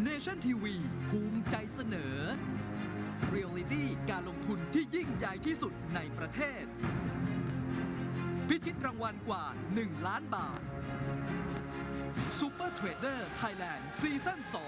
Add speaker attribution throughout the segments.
Speaker 1: Nation TV ภูมิใจเสนอ Reality การลงทุนที่ยิ่งใหญ่ที่สุดในประเทศ พิชิตรางวัลกว่า 1 ล้านบาท Super Trader Thailand ซีซั่น 2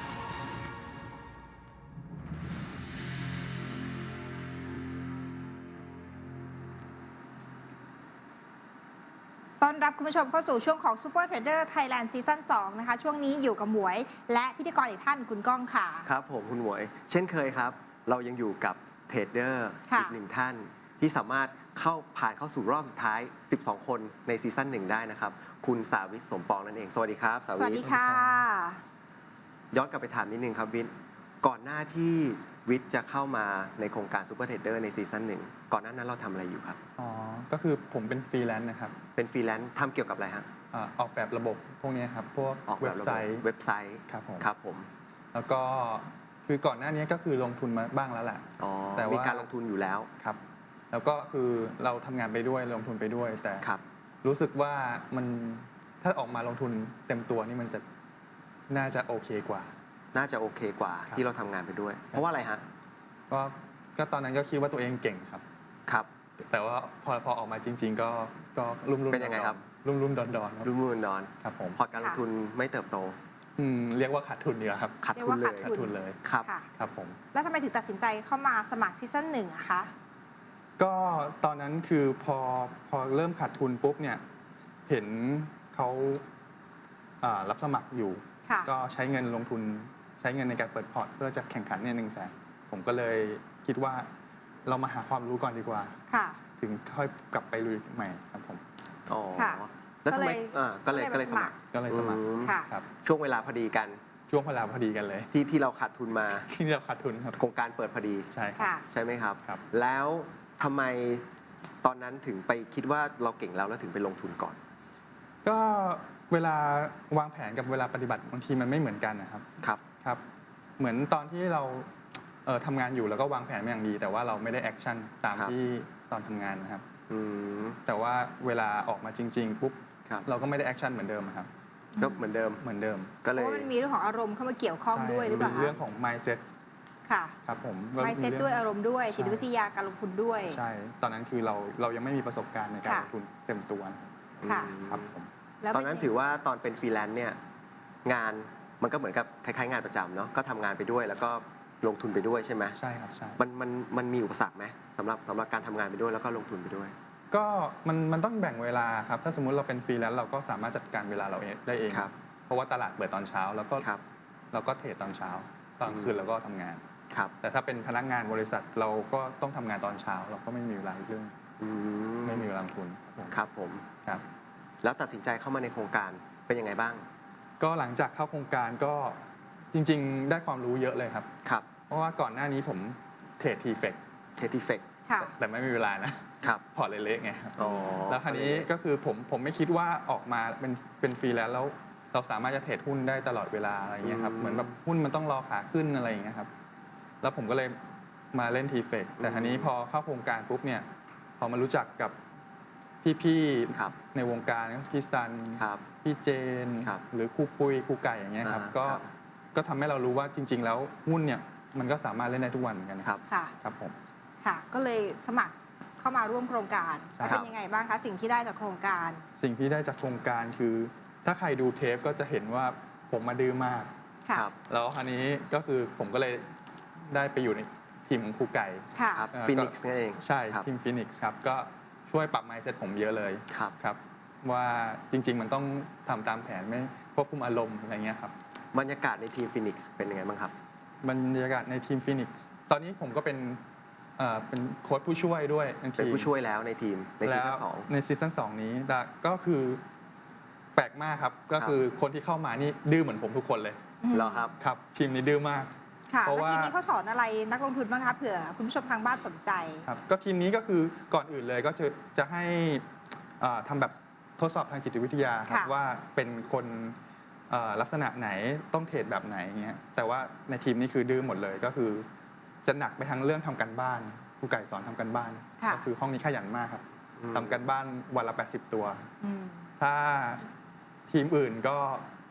Speaker 2: ต้อนรับคุณผู้ชมเข้าสู่ช่วงของ Super Trader Thailand ซีซั่น 2 นะคะช่วงนี้อยู่กับหมวยและพิธีกรอีกท่านคุณก้องค่ะ
Speaker 3: ครับผมคุณหมวยเช่นเคยครับเรายังอยู่กับเทรดเดอร์อีกหนึ่งท่านที่สามารถผ่านเข้าสู่รอบสุดท้าย12 คนในซีซั่น 1ได้นะครับคุณสาวิทย์สมปองนั่นเองสวัสดีครับ
Speaker 2: สวัสดีค่ะ
Speaker 3: ย้อนกลับไปถามนิดนึงครับวิทย์ก่อนหน้าที่วิทย์จะเข้ามาในโครงการ Super Trader ในซีซั่น 1ก่อนหน้านั้นเราทำอะไรอยู่ครับ
Speaker 4: ก็คือผมเป็นฟรีแลนซ์นะครับ
Speaker 3: เป็นฟรีแลนซ์ทำเกี่ยวกับอะไรฮะ
Speaker 4: ออกแบบระบบพวกนี้ครับพวกเว็บไซต์
Speaker 3: ครับผม
Speaker 4: แล้วก็คือก่อนหน้านี้ก็คือลงทุนมาบ้างแล้วแหละ
Speaker 3: แต่มีการลงทุนอยู่แล้ว
Speaker 4: ครับแล้วก็คือเราทำงานไปด้วยลงทุนไปด้วยแต่รู้สึกว่ามันถ้าออกมาลงทุนเต็มตัวนี่มันจะน่าจะโอเคกว่า
Speaker 3: ที่เราทำงานไปด้วยเพราะว่าอะไรฮะ
Speaker 4: ก็ตอนนั้นก็คิดว่าตัวเองเก่งครับแต่ว่าพอออกมาจริงๆก็ลุ่มๆ
Speaker 3: เป็นยังไงครับ
Speaker 4: ลุ่มๆดอน
Speaker 3: ๆลุ่มๆดอน
Speaker 4: ครับผม
Speaker 3: พอการลงทุนไม่เติบโต
Speaker 4: เรียกว่าขาดทุนเนี่ยครับ
Speaker 3: ขาดทุนเลย
Speaker 4: ครับผม
Speaker 2: แล้วทำไมถึงตัดสินใจเข้ามาสมัครซีซั่น 1อะคะ
Speaker 4: ก็ตอนนั้นคือพอเริ่มขาดทุนปุ๊บเนี่ยเห็นเขารับสมัครอยู่ก็ใช้เงินลงทุนใช้เงินในการเปิดพอร์ตเพื่อจะแข่งขันเนี่ย100,000ผมก็เลยคิดว่าเรามาหาความรู้ก่อนดีกว่าถึงค่อยกลับไปลุยใหม่ครับผม
Speaker 3: แล้วทำไมก็เลยสมัคร
Speaker 4: ครับ
Speaker 3: ช่วงเวลาพอดีกัน
Speaker 4: เลย
Speaker 3: ที่เราขาดทุนมา
Speaker 4: ที่เราขาดทุนครับ
Speaker 3: โครงการเปิดพอดีใช่ไหมครับแล้วทำไมตอนนั้นถึงไปคิดว่าเราเก่งแล้วถึงไปลงทุนก่อน
Speaker 4: ก็เวลาวางแผนกับเวลาปฏิบัติบางทีมันไม่เหมือนกันนะครับครับเหมือนตอนที่เราทำงานอยู่แล้วก็วางแผนมาอย่างดีแต่ว่าเราไม่ได้แอคชั่นตามที่ตอนทำงานนะครับแต่ว่าเวลาออกมาจริงๆปุ๊บเราก็ไม่ได้แอคชั่นเหมือนเดิมครับ
Speaker 3: ก็เหมือนเดิม
Speaker 2: ก็เลยมันมีเรื่องของอารมณ์เข้ามาเกี่ยวข้องด้วยหรือเปล่า
Speaker 4: เรื่องของ mindset
Speaker 2: ค่ะ
Speaker 4: ครับผม
Speaker 2: mindset ด้วยอารมณ์ด้วยจิตวิทยาการลงทุนด้วย
Speaker 4: ใช่ตอนนั้นคือเรายังไม่มีประสบการณ์ในการลงทุนเต็มตัวครับผม
Speaker 3: ตอนนั้นถือว่าตอนเป็นฟรีแลนซ์เนี่ยงานมันก็เหมือนกับคล้ายๆงานประจำเนาะก็ทำงานไปด้วยแล้วก็ลงทุนไปด้วยใช่ไหม
Speaker 4: ใช่ครับใช่
Speaker 3: มันมีอุปสรรคไหมสำหรับการทำงานไปด้วยแล้วก็ลงทุนไปด้วย
Speaker 4: ก็มันต้องแบ่งเวลาครับถ้าสมมุติเราเป็นฟรีแลนซ์เราก็สามารถจัดการเวลาเราได้เองเพราะว่าตลาดเปิดตอนเช้าแล้วก็เราก็เทรดตอนเช้าตอนคืนเราก็ทำงานแต่ถ้าเป็นพนักงานบริษัทเราก็ต้องทำงานตอนเช้าเราก็ไม่มีเวลาเรื่องไม่มีเวลาลงทุน
Speaker 3: ครับผม
Speaker 4: ครับ
Speaker 3: แล้วตัดสินใจเข้ามาในโครงการเป็นยังไงบ้าง
Speaker 4: ก็หลังจากเข้าโครงการก็จริงๆได้ความรู้เยอะเลยครับเพราะว่าก่อนหน้านี้ผมเทรดทีเฟกแต่ไม่มีเวลานะพอร์ตเละๆไงครับแล้วคราวนี้ก็คือผมไม่คิดว่าออกมาเป็นฟรีแลนซ์แล้วเราสามารถจะเทรดหุ้นได้ตลอดเวลาอะไรอย่างเงี้ยครับเหมือนแบบหุ้นมันต้องรอขาขึ้นอะไรอย่างเงี้ยครับแล้วผมก็เลยมาเล่นทีเฟกแต่คราวนี้พอเข้าโครงการปุ๊บเนี่ยพอมารู้จักกับพี่ๆในวงการพี่ซันพี่เจนหรือครูปุ้ยครูไก่อย่างเงี้ยครับก็ทำให้เรารู้ว่าจริงๆแล้วหุ้นเนี่ยมันก็สามารถเล่นได้ทุกวันเหมือนกันครับผม
Speaker 2: ค่ะก็เลยสมัครเข้ามาร่วมโครงการเป็นยังไงบ้างคะสิ่งที่ได้จากโครงการ
Speaker 4: สิ่งที่ได้จากโครงการคือถ้าใครดูเทปก็จะเห็นว่าผมมาดื้อมากแล้วคราวนี้ก็คือผมก็เลยได้ไปอยู่ในทีมของครูไก่
Speaker 3: ฟินิกซ์นั่นเอง
Speaker 4: ใช่ทีมฟินิกซ์ครับก็ช่วยปรับ mindset ผมเยอะเลยครับว่าจริงๆมันต้องทำตามแผนไม่ควบคุมอารมณ์อะไรเงี้ยครับ
Speaker 3: บรรยากาศในทีมฟินิกซ์เป็นยังไงบ้างครับ
Speaker 4: บรรยากาศในทีมฟินิกซ์ตอนนี้ผมก็เป็นโค้ชผู้ช่วยด้วย
Speaker 3: เป็นผู้ช่วยแล้วในทีมในซีซั่น 2
Speaker 4: ในซีซั่น 2นี้ก็คือแปลกมากครับก็คือคนที่เข้ามานี่ดื้อเหมือนผมทุกคนเลย
Speaker 3: เหรอครับ
Speaker 4: ครับทีมนี้ดื้อมาก
Speaker 2: เพราะว่าทีมนี้เขาสอนอะไรนักลงทุนบ้างคะเผื่อคุณผู้ชมทางบ้านสนใจ
Speaker 4: ครับก็ทีมนี้ก็คือก่อนอื่นเลยก็จะให้ทำแบบทดสอบทางจิตวิทยาครับว่าเป็นคนลักษณะไหนต้องเทรดแบบไหนเงี้ยแต่ว่าในทีมนี้คือดื้อหมดเลยก็คือจะหนักไปทั้งเรื่องทำการบ้านครูไก่สอนทำการบ้านก็คือห้องนี้ขยันมากครับทำการบ้านวันละ80 ตัวถ้าทีมอื่นก็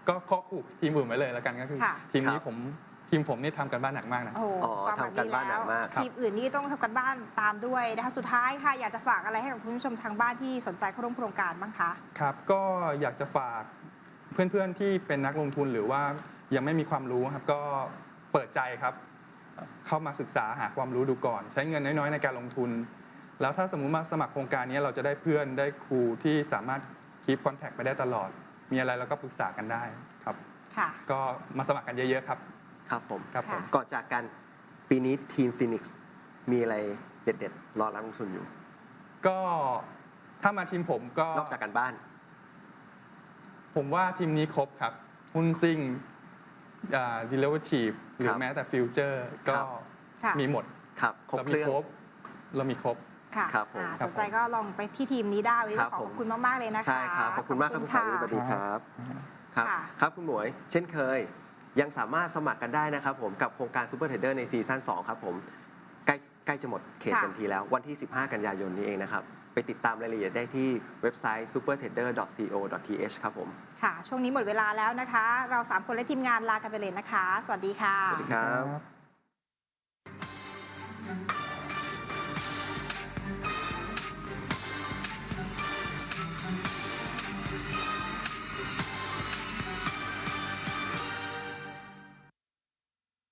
Speaker 4: ก็ข้อขู่ทีมอื่นไว้เลยแล้วกันก็คือ
Speaker 2: ค่ะ
Speaker 4: ทีมผมนี่ทำกันบ้านหนักมากนะ
Speaker 2: โอ้โหฟังแบบนี้แล้วทีมอื่นนี่ต้องทำกันบ้านตามด้วยนะคะสุดท้ายค่ะอยากจะฝากอะไรให้กับคุณผู้ชมทางบ้านที่สนใจเข้าร่วมโครงการบ้างคะ
Speaker 4: ครับก็อยากจะฝากเพื่อนๆที่เป็นนักลงทุนหรือว่ายังไม่มีความรู้ครับก็เปิดใจครับเข้ามาศึกษาหาความรู้ดูก่อน ใช้เงินน้อยๆในการลงทุน แล้วถ้าสมมุติมาสมัครโครงการนี้เราจะได้เพื่อนได้ครูที่สามารถคีปคอนแทคไปได้ตลอด มีอะไรเราก็ปรึกษากันได้ครับ
Speaker 2: ค่ะ
Speaker 4: ก็มาสมัครกันเยอะๆครับ
Speaker 3: ครับผม
Speaker 4: ครับผม
Speaker 3: ก่อนจากกันปีนี้ทีมฟินิกซ์มีอะไรเด็ดๆรอรับลงทุนอยู่
Speaker 4: ก็ถ้ามาทีมผมก็
Speaker 3: นอกจากกันบ้าน
Speaker 4: ผมว่าทีมนี้ครบครับหุ้นซิ่งดิเลเวอร์ทีฟหรือแม้แต่ฟิวเจอร์ก็
Speaker 2: ค่ะ
Speaker 4: มีหมด
Speaker 3: ครับครบ
Speaker 4: เรา
Speaker 3: เค
Speaker 4: มี
Speaker 3: รื่อง
Speaker 4: ครบเรามีครบ
Speaker 2: ค่ะ
Speaker 3: ครับผม
Speaker 2: สนใจก็ลองไปที่ทีมนี้ได้วันนี้
Speaker 3: ครับ
Speaker 2: ขอขอบคุณมากๆเลยนะคะ
Speaker 3: ใช่ครับขอบคุณมากครับคุณสาวิตสวัสดีครับครับ
Speaker 2: ค่ะ
Speaker 3: ครับคุณหมวยเช่นเคยยังสามารถสมัครกันได้นะครับผมกับโครงการซูเปอร์เทรดเดอร์ในซีซั่น2ครับผมใกล้จะหมดเขตเต็มทีแล้ววันที่ 15 กันยายนนี้เองนะครับไปติดตามรายละเอียดได้ที่เว็บไซต์ supertrader.co.th ครับผม
Speaker 2: ค่ะ ช่วงนี้หมดเวลาแล้วนะคะ เรา3คนและทีมงานลากันไปเลยนะคะ สวัสดีค่ะ
Speaker 3: สวัสดีครับ